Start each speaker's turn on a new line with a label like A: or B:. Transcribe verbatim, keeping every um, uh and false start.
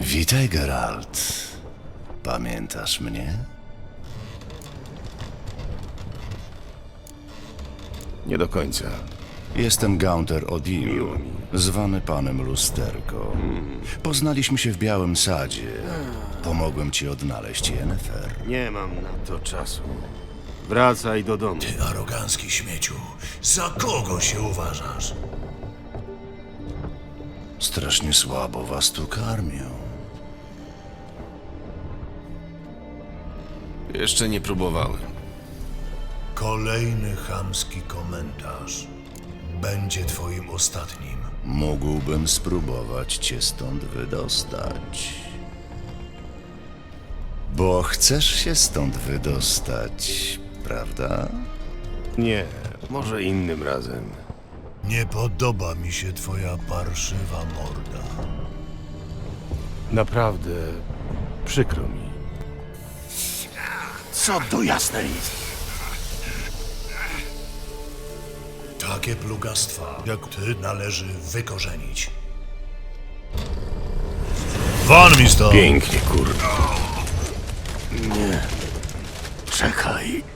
A: Witaj, Geralt. Pamiętasz mnie?
B: Nie do końca.
A: Jestem Gaunter Odil, zwany panem Lusterko. Poznaliśmy się w Białym Sadzie. Pomogłem ci odnaleźć Yennefer.
B: Nie mam na to czasu. Wracaj do domu.
C: Ty arogancki śmieciu, za kogo się uważasz?
A: Strasznie słabo was tu karmią.
B: Jeszcze nie próbowałem.
C: Kolejny chamski komentarz. Będzie twoim ostatnim.
A: Mógłbym spróbować cię stąd wydostać. Bo chcesz się stąd wydostać, prawda?
B: Nie, może innym razem.
C: Nie podoba mi się twoja parszywa morda.
B: Naprawdę przykro mi.
C: Co do jasnej? Takie plugastwa jak ty należy wykorzenić. Won mi stąd!
B: Pięknie, kurwa.
C: Czekaj.